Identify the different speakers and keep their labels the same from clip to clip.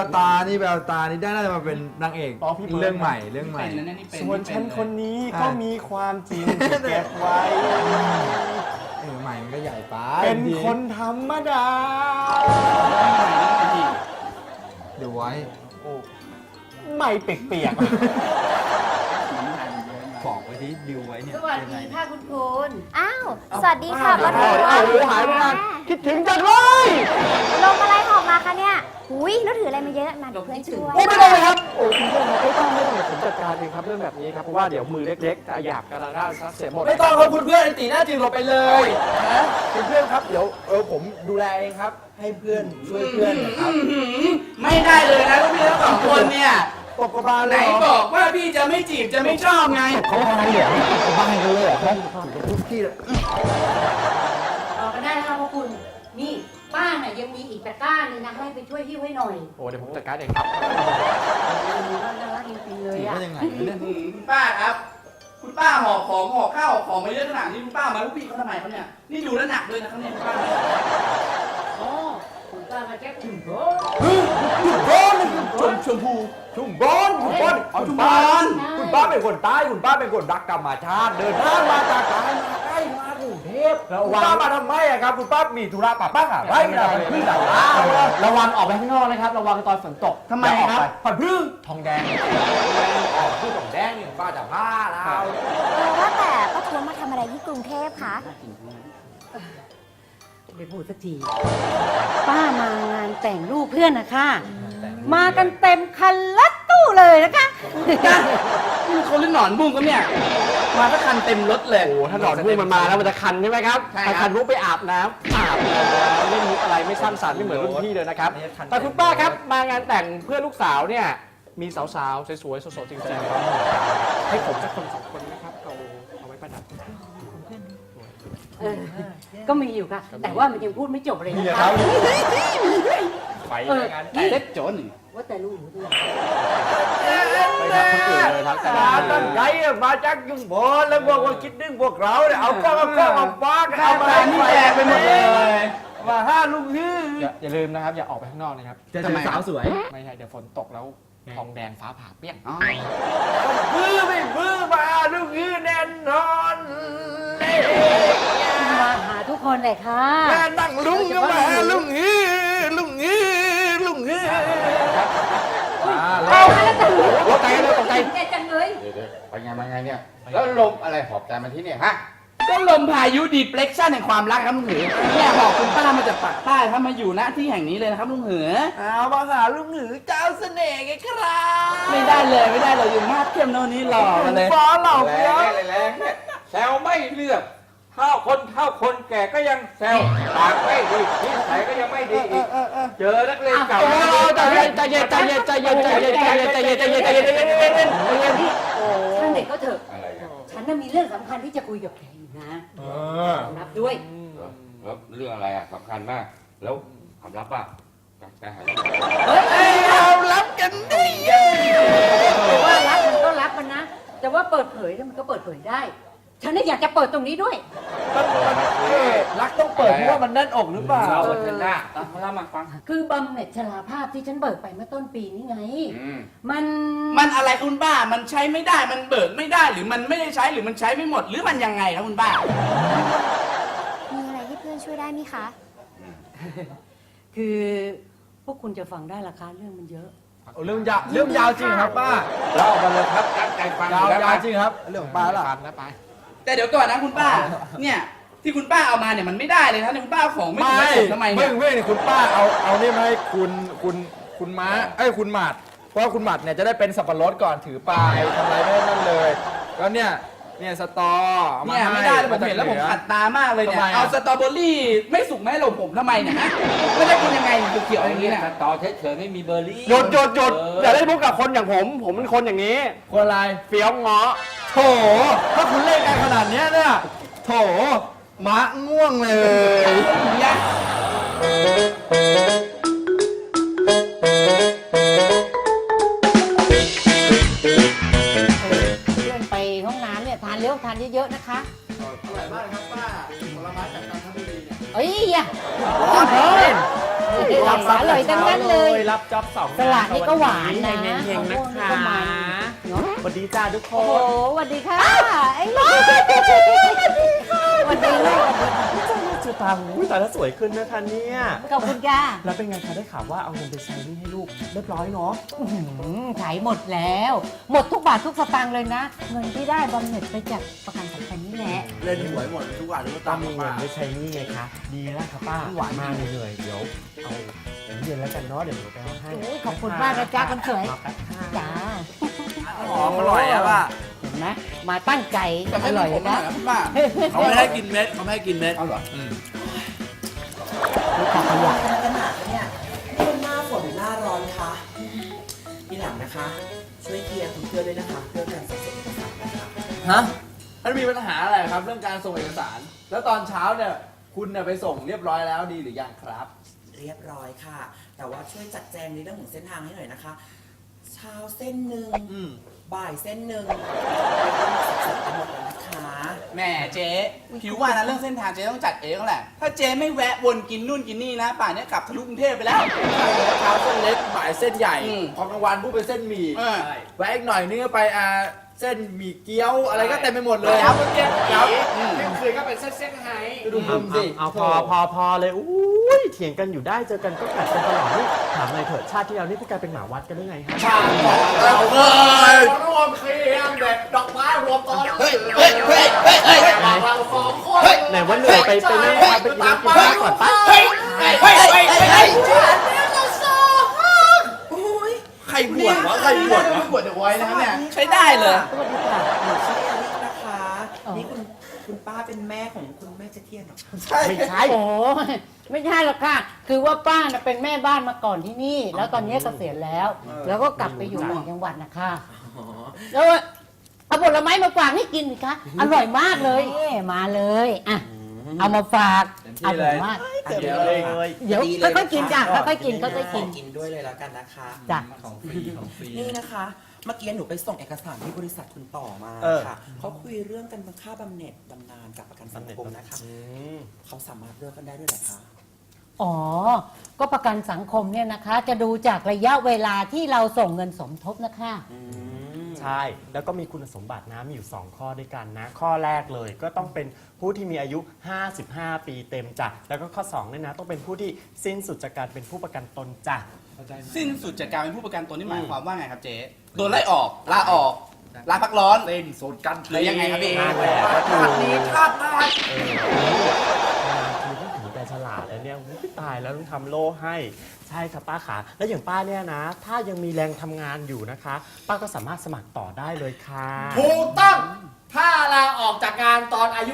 Speaker 1: ตานี่แววตานี่ได้น่าจะมาเป็นนางเอกเรื่องใหม่
Speaker 2: ส่วนฉันคนนี้ก็มีความจริงที่เก็บไว้
Speaker 1: ใหม่มันก็ใหญ่ไป
Speaker 2: เป็นคนธรรมดา
Speaker 1: เดี๋ยวไว้
Speaker 2: ไม่เปียก
Speaker 1: บอกไว้ที่ดิวไว้เนี่ย
Speaker 3: สวัสดีค่ะคุณพล
Speaker 4: อ้าว สวัสดีค่ะป้าทวด
Speaker 2: หายไปนานคิดถึงจังเลย
Speaker 4: ลงอะไรหอบมาคะเนี่ยหุยแล้วถืออะไรมาเยอะมาเดี๋ยวเพื่อนช่วย
Speaker 2: ไม่ต้องเลยครับโอ้คุณเพื่อนไม่ต้องผมจัดการเองครับเรื่องแบบนี้ครับเพราะว่าเดี๋ยวมือเล็กๆจะหยาบกระด้างซัดเสียหมด
Speaker 1: ไม่ต้องครับคุณเพื่อนตีหน้าจริงเราไปเลย
Speaker 2: นะคุณเพื่อนครับเดี๋ยวผมดูแลเองครับ
Speaker 1: ให้เพื่อนช่วยเพื่อนนะครับ
Speaker 3: ไม่ได้เลยนะพี่ทั้งสองคนเนี่ย
Speaker 1: ตบกระบาลเล
Speaker 3: ไหน
Speaker 1: ย
Speaker 3: บอกว่าพี่จะไม่จีบจะไม่ชอบไง
Speaker 1: เขาทำไมเหรอเขาบ้ากันเลยเหรอครับทุกที่เลย
Speaker 5: ออกกันได้นะคะพวกคุณนี่ป้าน่ะยังมีอีกตะกร้านึงนะให้ไปช่วยหิ้วให้หน่อย
Speaker 2: โอ้เดี๋ยวผมจัดการเองครับ
Speaker 5: น่ารักจริงๆเลย
Speaker 1: จีบ
Speaker 5: อ่ะ
Speaker 1: ว่ายังไงเนี่ย
Speaker 3: คุณป้าครับ คุณป้าห่อของห่อข้าวห่อของมาเยอะขนาดนี้คุณป้ามาลูกพี่เขาทำไมเขาเนี่ยนี่ดูแลหนักเลยนะครับเนี่ยคุณป้า
Speaker 5: อ๋อคุณป้ามาแก้คุณพ่อ
Speaker 3: ชมพู
Speaker 1: ชุ่มบอลชุ่มบอล
Speaker 3: เอาชุมพร
Speaker 1: คุณป้าเป็นคนใต้คุณป้าเป็นคนรักธรรมชาติเดินทางมาจากไกลมาใกล้มากรุงเทพคุณป้ามาทำไมอะครับคุณป้ามีธุระป่ะป้าหาไรไม่ได้พึ่งดาว
Speaker 2: ระวังออกไปข้างนอกนะครับระวังตอนฝนตก
Speaker 3: ทำไมครับ
Speaker 1: ผัดพึ่ง
Speaker 2: ทองแดง
Speaker 1: ออกพึ่งของแดงนี่ป้าจะผ้าแล้ว
Speaker 4: ว่าแต่ป้าทวดมาทำอะไรที่กรุงเทพคะ
Speaker 5: ไม่พูดสักทีป้ามางานแต่งลูกเพื่อนนะคะมากันเต็มคันรถตู้เลยนะคะ
Speaker 3: นี่เขาเล่นหนอนบุ้งกันเนี่ยมาก็คันเต็มรถเลย
Speaker 2: โอ้ถ้าหนอนพุ่งมันมาแล้วมันจะคันใช่ไหมครับ
Speaker 3: ใช่ครับ
Speaker 2: ถ้าคันพุ่งไปอาบน้ำเล่นมุกอะไรไม่สร้างสรรค์ไม่เหมือนรุ่นพี่เลยนะครับแต่คุณป้าครับมางานแต่งเพื่อนลูกสาวเนี่ยมีสาวๆสวยๆสดๆจริงๆให้ผมสักคนสองคนนะครับเอาไว้ประดับ
Speaker 5: ก็มีอยู่ค่ะ แต่ว่ามันยังพูดไม่จบเลย
Speaker 1: นี่
Speaker 5: นะ
Speaker 1: ครั
Speaker 5: คะ
Speaker 1: บ
Speaker 2: ไปงาน
Speaker 3: เล็ดโจน
Speaker 5: ว่าแต่ลูกหนูด้วย
Speaker 2: ไปทักคนอื่นเลยครับแต่
Speaker 1: ตั้งใจมาจากยุงบอลแล้วบอกว่าคิดดึงพวกเราเนี่ยเอากล้องมาฟ้าเอามา
Speaker 3: นี่แจกไปหมดเลย
Speaker 1: มาห้าลูกฮือ
Speaker 2: อย่าลืมนะครับอย่าออกไปข้างนอกนะครับ
Speaker 1: จะเจอสาวสวย
Speaker 2: ไม่ใช่เดี๋ยวฝนตกแล้วทองแดงฟ้าผ่าเปี้ยง
Speaker 1: บื้อไม่บื้อมาลูกฮือแน่นอนเลย
Speaker 5: มาหาทุกคนเลยค่ะ
Speaker 1: แม่นั่งลุงก็มาลุงฮือลุงฮือลุงฮือ
Speaker 5: เอาแล้วแต่ลูก
Speaker 2: ตกใจเลยตกใจ
Speaker 5: ใจจังเลย
Speaker 6: เดี๋ยวไปไงมาไงเนี่ย แล้วลมอะไรหอบใจมาที่เนี่ยฮะ
Speaker 3: ก็ลมพายุดีเพล็กชันแห่งความรักครับลุงหือเนี่ยบอกคุณป้ามาจากปากใต้ถ้ามาอยู่ณที่แห่งนี้เลยนะครับลุงหือ
Speaker 1: เอามาหาลุงหือเจ้าเสน่ห์ไงครับ
Speaker 3: ไม่ได้เลยอยู่มาดเข้มโน่นนี้หล่อมาเลย
Speaker 1: ฟ้าเหล่า
Speaker 6: แร
Speaker 1: เพี้ย
Speaker 6: งแรงเนี่ยแซวไม่เลือกเท่าคนแก่ก็ยังแซวปากไม่ดีนิสัยก็ยังไม่ดีอีกเจอนักเลงเก่า
Speaker 2: ใจเย็นใจเย็นใจเย็นใจเย็นใจเย็นใจเย็นใจเย็นใจเย็นใจเย็นใจเย็นใจเย็น
Speaker 5: ช่างเด็กก็เถอะ
Speaker 6: อะไรกัน
Speaker 5: ฉันน่ะมีเรื่องสำคัญที่จะคุยกับแกอยู่นะรับด้วย
Speaker 6: แล้วเรื่องอะไรอ่ะสำคัญมาก แล้วความลับอ่ะจะหาย
Speaker 5: เฮ้ย
Speaker 1: เรารับกันดิ
Speaker 5: แต่ว่ารับมันก็รับมันนะ แต่ว่าเปิดเผยเนี่ยมันก็เปิดเผยได้ ฉันน่ะอยากจะเปิดตรงนี้ด้วย
Speaker 1: รักต้องเปิดเพราะว่ามันแน่นอกหรือเปล่า
Speaker 3: เราบนกันหน้าเล่ามาฟัง
Speaker 5: คือบำเหน็จชราภาพที่ฉันเบิกไปเมื่อต้นปีนี้ไง มัน
Speaker 3: มันอะไรคุณป้ามันใช้ไม่ได้มันเบิกไม่ได้หรือมันไม่ได้ใช้หรือมันใช้ไม่หมดหรือมันยังไงครับคุณป้า
Speaker 4: มีอะไรที่เพื่อนช่วยได้ไหมคะ
Speaker 5: คือพวกคุณจะฟังได้ราคาเรื่องมันเยอะ
Speaker 1: เรื่องยาวจริงครับป้า
Speaker 6: เราออกมาเลยครับตั้งใจฟัง
Speaker 1: ยาว
Speaker 6: แล้ว
Speaker 1: จริงครับเรื่องของป้าล่ะ
Speaker 2: นะไป
Speaker 3: แต่เดี๋ยวก่อนนะคุณป้า เนี่ยที่คุณป้าเอามาเนี่ยมันไม่ได้เลยนะเนี่ยคุณป้าเอาของไม่ถูกไม่ถูกทำไมเนี่ย
Speaker 1: ไม่คุณป้าเอานี่มาให้คุณม้าคุณหมัดเพราะคุณหมัดเนี่ยจะได้เป็นสับปะรดก่อนถือปลายทำอะไรไม่นั่นเลยแล้วเนี่ยสตออาา
Speaker 3: เนี่ยไม่ได้เลยผมเห็นแล้วผมขัดตามากเลยเนี่ยเอาสตรอเบอรี่ไม่สุกไม่ให้เราผมทำไมเนี่ยฮะไม่ได้กินยังไงเขียวๆอย่างนี้เนี่ย
Speaker 6: ต่อเฉยๆไม่มีเบอร์รี่
Speaker 2: หยุดอย่าเล่นมุกกับคนอย่างผมเป็นคนอย่างนี้
Speaker 1: คนอะไร
Speaker 2: เฟี้ยวเงาะ
Speaker 1: โถถ้าคุณเล่นกันขนาดเนี้ยเนี่ยโถม้าง่วงเลย
Speaker 3: เนี่ย
Speaker 5: เพื่อนไปห้องน้ำเนี่ยทานเร็วทานเยอะๆนะคะ
Speaker 3: อร่อยมากครับป้าผลไม้จากจันทบุรีเนี่ย
Speaker 5: เอ้ยอย่า
Speaker 1: เฮ้ย
Speaker 5: อร่อยทั้งนั้นเลย
Speaker 2: รับจ็อบสอง
Speaker 5: สลัดนี่ก็หวานนะ
Speaker 2: เฮงๆนะคะ
Speaker 5: มะม่วงนี่ก็มันเนอะ
Speaker 2: สวัสดีจ้าทุกค
Speaker 5: โอ้โห
Speaker 2: น
Speaker 5: สวัสดีค่ะไอ้ลูกสวัสดีลูก
Speaker 2: ชื่อตาหูตาแล้วสวยขึ้นนะคะเนี่ย
Speaker 5: ขอบคุณค่ะ
Speaker 2: แล้วเป็นไงคะได้ข่าวว่าเอาเงินไปใช้หนี่ให้ลูกเรียบร้อยเนาะ
Speaker 5: ขายหมดแล้ว หมดทุกบาททุกสตางค์เลยนะ เงินที่ได้บำเหน็จไปจากประกันสังคมนี่แหละ
Speaker 3: เล่นหวยหมดทุกวันทุก
Speaker 2: ต้
Speaker 3: ตา
Speaker 2: อง
Speaker 3: ม
Speaker 2: มีเงินไปใช้หนี่ไงคะดีแล้วค่ะป้าหวานมากเหนื่อยๆเดี๋ยวเอาเย็นแล้วกันเนาะเดี๋ยวหนูไปเอาให้
Speaker 5: โอ้ยขอบคุณมากนะจ๊ะคนสวย
Speaker 2: รอแป๊บค่ะ
Speaker 5: จ้า
Speaker 3: หอมอร่อยอะป่ะ
Speaker 5: เห็นไหมมาตั้งใจ
Speaker 3: แต่
Speaker 5: อ
Speaker 3: ไม่
Speaker 5: ร่อย
Speaker 3: ผม
Speaker 5: นะ
Speaker 3: นะคุณป้าเขาไม่ให้กินเม็ดเขาไม่ให้กินเม็ดเอาเหรอ
Speaker 5: ลูกค้าขยะ
Speaker 7: ขนาดเนี่ยนี่มันหน้าฝนหรือหน้าร้อนคะทีหลังนะคะ ช่วยเคลียร์คุณเพื่อนด้วยนะคะเรื่องการส่งเอกสารนะคะ
Speaker 3: ฮะมันมีปัญหาอะไรครับเรื่องการส่งเอกสาร แล้วตอนเช้าเนี่ยคุณเนี่ยไปส่งเรียบร้อยแล้วดีหรือยังครับ
Speaker 7: เรียบร้อยค่ะ แต่ว่าช่วยจัดแจงในเรื่องของเส้นทางให้หน่อยนะคะ เช้าเส้นหนึ่งบ่ายเส้นหนึ่งสับสนไปหมดเลยนะคะ
Speaker 3: แหม่เจ๊ผิวว่านะเรื่องเส้นทางเจ๊ต้องจัดเองแหละ ถ้าเจ๊ไม่แวะวนกินนู่นกินนี่นะ ป่านนี้กลับทะลุกรุงเทพไปแล้วเช้าเส้นเล็กบ่ายเส้นใหญ่พอกลางวันพูดเป็นเส้นหมี่แวะอีกหน่อยนึงก็ไปเส้นหมี่เกี๊ยวอะไรก็เต็มไปหมดเลยครับเจ๊ครับ
Speaker 2: คืนก็เป็นเส้นไฮ
Speaker 3: ดูมุมสิ
Speaker 2: เอาพอเลยอุ้ยเถียงกันอยู่ได้เจอกันก็กัดกันตลอดนี่ถามเลยเถิดชาติที่แล้วนี่พวกแกเป็นหมาวัดกันได้ไงฮะ
Speaker 3: ชาติบอกเราเลย
Speaker 1: รวมเคียงเด็ดดอกไม้รวมตอน
Speaker 3: เฮ้ยเฮ้ยเฮ้ยเฮ้ยเฮ้ย
Speaker 1: เราสองคน
Speaker 2: ไหนว่าเหนื่อยไปเล่นมาไปกินน้ำกินข้าวก่อนปะ
Speaker 3: เฮ้ยเฮ้ยเฮ้ยเฮ้ยเฮ้ย
Speaker 7: โอ้ย
Speaker 3: ใครบวชวะใครบวชวะบวชเดี๋ยวไว้นะครับเนี่ยใช้ได้เลย
Speaker 7: สวัสดีค่ะหนูชื่อเอลิกนะคะ นี่คุณป้าเป็นแม่ของคุณแม่เจเทียนเหรอคะ
Speaker 2: ไม่ใช่
Speaker 5: โอ้ยไม่ใช่หรอกค่ะ คือว่าป้าน่ะเป็นแม่บ้านมาก่อนที่นี่ แล้วตอนนี้เกษียณแล้ว แล้วก็กลับไปอยู่ต่างจังหวัดนะคะ
Speaker 7: อ๋อ
Speaker 5: แล้วเอาผลไม้มาฝากให้กินสิคะ อร่อยมากเลยมาเลยอ่ะเอามาฝากอร่อยมาก
Speaker 2: เดี๋ยวเลย
Speaker 5: เดี๋ยว
Speaker 7: ดีเลย
Speaker 5: ค่อยๆกินจ้ะค่อยๆกินค่อยๆกิน
Speaker 7: ขกินด้วยเลยแล้วกันนะคะ
Speaker 5: จ้ะ
Speaker 7: นี่นะคะ เมื่อกี้หนูไปส่งเอกสารที่บริษัทคุณต่อมาค่ะเขาคุยเรื่องกันค่าบำเหน็จบำนาญกับประกันสังคมนะคะเขาสามารถเลือกกันได้ด้วยเหรอคะ
Speaker 5: อ๋อ ก็ประกันสังคมเนี่ยนะคะ จะดูจากระยะเวลาที่เราส่งเงินสมทบนะคะ
Speaker 2: ใช่แล้วก็มีคุณสมบัตินะมีอยู่2ข้อด้วยกันนะข้อแรกเลยก็ต้องเป็นผู้ที่มีอายุ55 ปีเต็มจ้ะแล้วก็ข้อ2เนี่ยนะต้องเป็นผู้ที่สิ้นสุดจากการเป็นผู้ประกันตนจ้ะ
Speaker 3: สิ้นสุดจากการเป็นผู้ประกันตนนี่หมายความว่าไงครับเจ๊โดนไล่ออกลาออกลาพักร้อน
Speaker 1: เต้นสูตรกัน
Speaker 3: หรือยังไงครับพี่
Speaker 2: นั่นแหละก็คือ
Speaker 1: ชาตินี้ชาติหน้า
Speaker 2: คือต้องถือแต่ฉลาดแล้วเนี่ยอุ๊ยตายแล้วต้องทำโล่ให้ใช่ครับป้าขาแล้วอย่างป้าเนี่ยนะ ถ้ายังมีแรงทำงานอยู่นะคะ ป้าก็สามารถสมัครต่อได้เลยค่ะ
Speaker 1: ถูกต้อง ถ้าลาออกจากงานตอนอายุ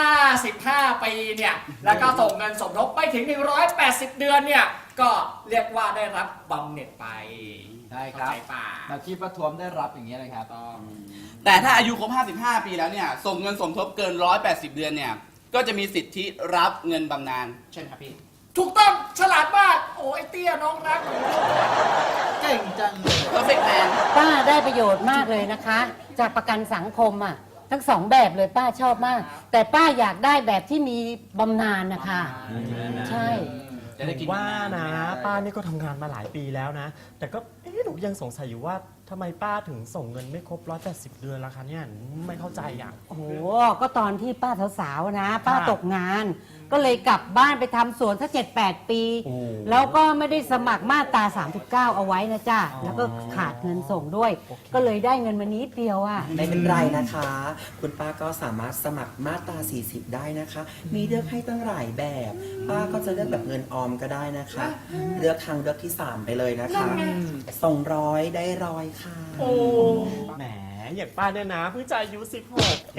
Speaker 1: 55 ปีเนี่ย แล้วก็ส่งเงินสมทบไปถึง 180 เดือนเนี่ย ก็เรียกว่าได้รับบำเหน็จไป
Speaker 3: ใช่ครับ
Speaker 1: เข้าใจป่ะเราคิดประท้วมได้รับอย่างเงี้ยเลยครับต้อง
Speaker 3: แต่ถ้าอายุครบ 55 ปีแล้วเนี่ย ส่งเงินสมทบเกิน 180 เดือนเนี่ย ก็จะมีสิทธิรับเงินบำนาญใช่ไหมครับพี่
Speaker 1: ถูกต้องฉลาดมาก โอ้ยเตี้ยน้องรัก เก่งจังเลย
Speaker 3: perfect man
Speaker 5: ป้าได้ประโยชน์มากเลยนะคะ จากประกันสังคมอ่ะทั้งสองแบบเลยป้าชอบมาก แต่ป้าอยากได้แบบที่มีบำนาญนะคะใช่
Speaker 3: จะได้กิน
Speaker 2: ว่านะป้านี่ก็ทำงานมาหลายปีแล้วนะ แต่ก็หนูยังสงสัยอยู่ว่าทำไมป้าถึงส่งเงินไม่ครบ180 เดือนล่ะคะเนี่ยไม่เข้าใจอ่ะ
Speaker 5: โอ้โหก็ตอนที่ป้าสาวๆนะ ป้าตกงาน ก็เลยกลับบ้านไปทำสวนสัก7-8 ปี
Speaker 2: โอ้
Speaker 5: แล้วก็ไม่ได้สมัครมาตรา39 เอาไว้นะจ๊ะแล้วก็ขาดเงินส่งด้วย ก็เลยได้เงินมานิดเดียวอ่ะ
Speaker 7: ไม่เป็นไรนะคะ คุณป้าก็สามารถสมัครมาตรา 40 ได้นะคะ มีเลือกให้ตั้งหลายแบบ ป้าก็จะเลือกแบบเงินออมก็ได้นะคะ เลือกทางเลือกที่ 3 ไปเลยนะคะส่ง100ได้100ค่ะ
Speaker 2: แหมอย่างป้าเนี่ยนะเพิ่งจะอายุ16เอง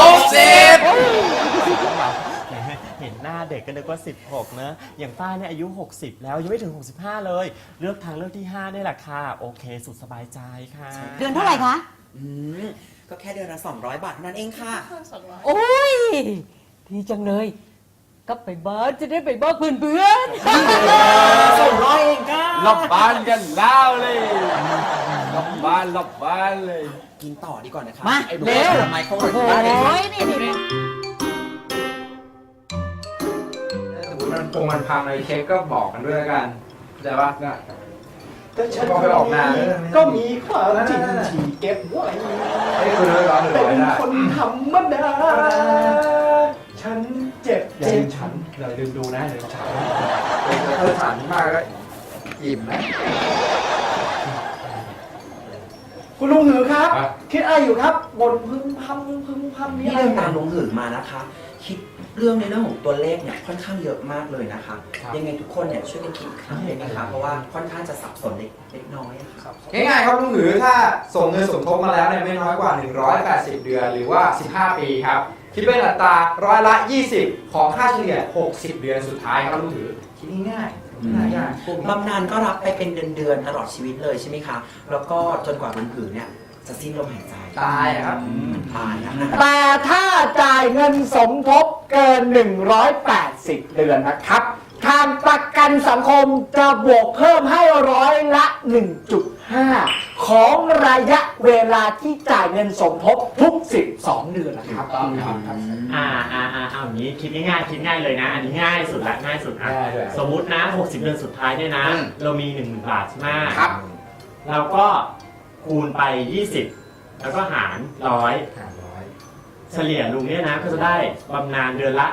Speaker 3: 60
Speaker 2: แหมเห็นหน้าเด็กก็นึกว่า16เนอะอย่างป้าเนี่ยอายุ60แล้วยังไม่ถึง65เลย เลือกทางเลือกที่5นี่แหละค่ะโอเคสุดสบายใจค่ะ
Speaker 5: เดือนเท่าไหร่คะ
Speaker 7: ก็แค่เดือนละ200 บาทเท่านั้นเองค่ะ
Speaker 5: โอ้ยดีจังเลย ก็ไปบ้านจะได้ไปบ้านเพื่อนๆ
Speaker 7: 200 เองค่ะ
Speaker 1: หลบบ้านกันแล้วเลยหลบบ้านเลย
Speaker 7: กินต่อดีกว่านะคะ
Speaker 5: มา
Speaker 7: ไอ้
Speaker 5: เร็ว
Speaker 7: ไมโคร
Speaker 5: โอ้โห
Speaker 7: บ้านเอง
Speaker 5: นี่
Speaker 1: มันพังอะไรเช็คก็บอกกันด้วยแล้วกันเข้าใจปะ
Speaker 2: แต่ฉัน
Speaker 1: พอไปออกงาน
Speaker 2: ก็มีความจริงที่เก็บไว้
Speaker 1: ไอ้คุณร้อยร้อนหรือ
Speaker 2: เป็
Speaker 1: ร้อย
Speaker 2: น
Speaker 1: ได้
Speaker 2: คนธรรมดา ฉันเจ็บอย่าลืมฉันอย่าลืมดูนะอย่าลืมฉัน
Speaker 1: ถ้าฉันมากก็อิ่มนะ
Speaker 2: คุณลุงหือครับ คิดอะไรอยู่ครับบ่นพึมพำมี
Speaker 7: นี่
Speaker 2: อะไร
Speaker 7: เรื่องตามลงหือมานะคะ คิดเรื่องในเรื่องของตัวเลขเนี่ยค่อนข้างเยอะมากเลยนะคะ ยังไงทุกคนเนี่ยช่วยกันคิดอีกครั้งเลยนะคะ เพราะว่าค่อนข้างจะสับสนเล็กน้อยอะค่ะ
Speaker 1: ง่ายๆครับลุงหรือถ้าส่งเงินสมทบมาแล้วเนี่ยไม่น้อยกว่า180 เดือนหรือว่า15 ปีครับคิดเป็นอัตราร้อยละ 20 ของค่าเฉลี่ย60 เดือนสุดท้ายครับลุงหรือคิดง่ายๆง่ายๆ
Speaker 7: บำนาญก็รับไปเป็นเดือนๆตลอดชีวิตเลยใช่ไหมคะ แล้วก็จนกว่าลงหือเนี่ยจะสิ้นลมหายใจ
Speaker 1: ตายอะครับ
Speaker 7: ตายนะ
Speaker 2: แต่ถ้าจ่ายเงินสมทบเกิน 180 เดือนนะครับทางประกันสังคมจะบวกเพิ่มให้ร้อยละ 1.5 ของระยะเวลาที่จ่ายเงินสมทบทุก 12 เดือนนะครับ
Speaker 8: เอาอย่างนี้คิดง่ายๆคิดง่ายเลยนะ อันนี้ง่ายสุดละง่ายสุดอ่ะ
Speaker 1: ง่ายด้วย
Speaker 8: สมมุตินะ 60 เดือนสุดท้ายเนี่ยนะ เรามี 10,000 บาทใช่ไหม
Speaker 3: ครับ
Speaker 8: เราก็คูณไป 20 แล้วก็หาร100 เฉลี่ยลุงเนี่ยนะก็จะได้บำนาญเดือนละ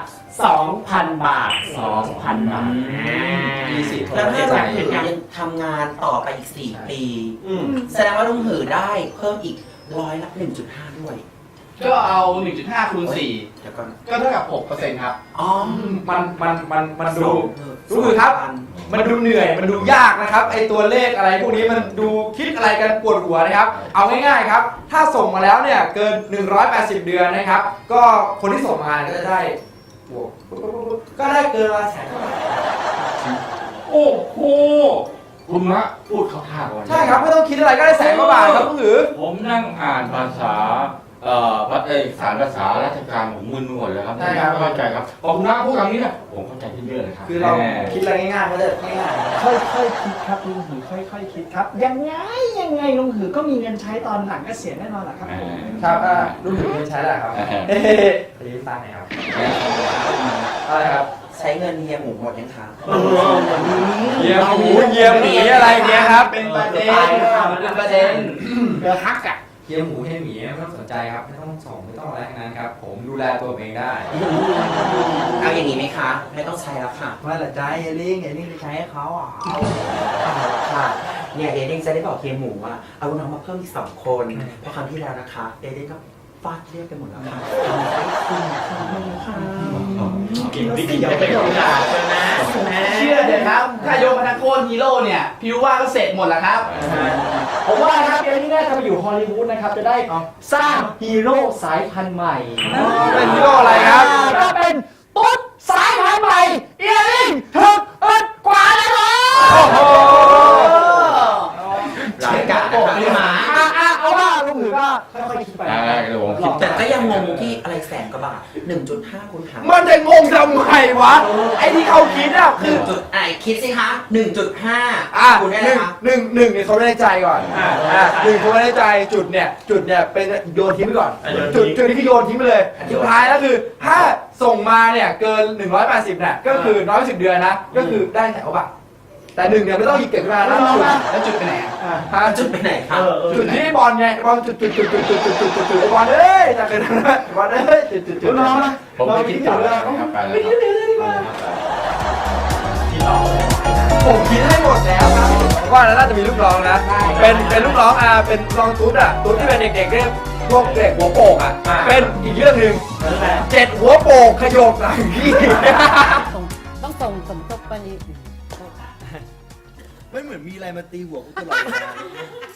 Speaker 8: 2,000 บาท 2,000 บาท
Speaker 7: แล้วถ้าลงหือยังทำงานต่อไปอีก 4 ปี แสดงว่าลงหือได้เพิ่มอีกร้อยละ 1.5 ด้วย
Speaker 3: ก็เอา 1.5 คูณ
Speaker 7: เดี๋ยวก่อน
Speaker 3: 4 ก็เท่ากับ 6% ครับ
Speaker 7: อ๋อ
Speaker 1: มันดูรู้คือครับ มันดูเหนื่อยมันดูยากนะครับไอตัวเลขอะไรพวกนี้มันดูคิดอะไรกันปวดหัวนะครับเอาง่ายๆครับถ้าส่งมาแล้วเนี่ยเกิน180 เดือนนะครับก็คนที่ส่งมาก็จะได้บวกก็ได้เกินละแสน
Speaker 6: โอ้โหคุณมะพูดเข้าท่าก่อน
Speaker 1: ใช่ครับไม่ต้องคิดอะไรก็ได้แสนกว่าบาทครับลุงหือ
Speaker 6: ผมนั่งอ่านภาษาสารภาษาราชการผมมึนไปหมดเลยครับไม่เข้าใจครับพอคุณมะพูดคำนี้นะผมเข้าใจขึ้นเยอะเลยครับ
Speaker 1: คือเราคิดอะไรง่ายๆก็ได้ง่าย
Speaker 2: ค่อยๆคิดครับลุงหือค่อยๆคิดครับ ยังไงลุงหือก็มีเงินใช้ตอนหลังเกษียณแน่นอนแหละครับผม
Speaker 1: ๆครับลุงหือใช้อะไรครับเฮ้ยรีบตั้งไหนครับอะไรครับ
Speaker 7: ใช้เงินเฮียหมูหมดยังคะ
Speaker 1: เยียหมูเยียหมีอะไรเงี้ยครับ
Speaker 3: เป็นประเด็นเป็นประเด็น
Speaker 2: เดือฮักอ่ะ
Speaker 1: เยียหมูเยียหมีไม่ต้องสนใจครับไม่ต้องส่งไม่ต้องอะไรทั้งนั้นครับผมดูแลตัวผมเองได้
Speaker 7: เอาอย่างนี้ไหมคะ ไม่ต้องใช้แล้วค่ะ
Speaker 3: ไม่ละใจเอลิงจะใช้ให้เขาอ่ะ
Speaker 7: เอาละค่ะ เนี่ยเอเดนจะได้บอกเฮียหมูว่าเอาน้องมาเพิ่มอีก2 คน เพราะครั้งที่แล้วนะคะ เอเดนก็ฟาดเรียกไปหมดแล้วค่ะทำได้ขึ้นค่ะ
Speaker 8: กินวิธีจะเป็นของด่าเลยนะ
Speaker 3: เชื่อเถอะครับ ถ้ายกมาทั้งโคตรฮีโร่เนี่ย พิวว่าก็เสร็จหมดแล้วครับ
Speaker 2: ผมว่านะครับเดี๋ยวนี้น่าจะไปอยู่ฮอลลีวูดนะครับ จะได้สร้างฮีโร่สายพันธุ์ใหม่
Speaker 1: เป็นฮีโร่อะไรครับ
Speaker 2: ก็เป็นตุ๊ดสายพันธุ์ใหม่เอียริงถึกอึดกว่าแล้วครับ
Speaker 1: โอ้โห
Speaker 7: รายการนะคะพี่หมา
Speaker 2: เอาว่าลุงหือก็ค่อยๆคิดไป
Speaker 6: เดี๋ยวผมคิด
Speaker 7: แต่ก็ยังงงที่อะไรแสนกว่าบาท 1.5 คูณหาร
Speaker 1: มันจะงงทำไมวะไอ้ที่เขาคิดอะคือ
Speaker 7: คิดสิคะ 1.5
Speaker 1: อ่ะ
Speaker 7: คูณได้
Speaker 1: ห
Speaker 7: ไหม
Speaker 1: นึ่ง
Speaker 7: คะ
Speaker 1: หนึ่งเนี่ยเขาไม่ได้ใจก่อนหนึ่งเขาไม่ได้ใจจุดเนี่ยเป็นโยนทิ้งไปก่อนจุดนี้คือโยนทิ้งไปเลยสุดท้ายแล้วคือถ้าส่งมาเนี่ยเกิน180เนี่ยก็คือ110 เดือนนะก็คือได้แสนกว่าบาทแต่หนึ่งเนี่ยไม่ต้องหยิบเก็บขึ้นมาแล้วจุด
Speaker 3: แล้วจุดไปไหนอ่ะ
Speaker 7: จุดไปไหนคะ
Speaker 1: จุดที่บอลไงบอลจุดไอ้บอลเอ้ยจากนั้นนะบอลเอ้ยจุด
Speaker 2: น้องนะ
Speaker 6: ผมไม่คิดต่อแล้วครับไปแล้วครับ
Speaker 1: ผมคิดให้หมดแล้วครับผมว่าน่าจะมีลูกน้องนะเป็นลูกน้องเป็นลูกน้องตุ๊ดที่เป็นเด็กๆเรียกพวกเด็กหัวโป่งเป็นอีกเรื่องหนึ่ง7 หัวโป่งขยกหลังพี่
Speaker 5: ต้องส่งสมทบไปนี่
Speaker 3: ไม่เหมือนมีอะไรมาตีหัวกูตลอดเวลา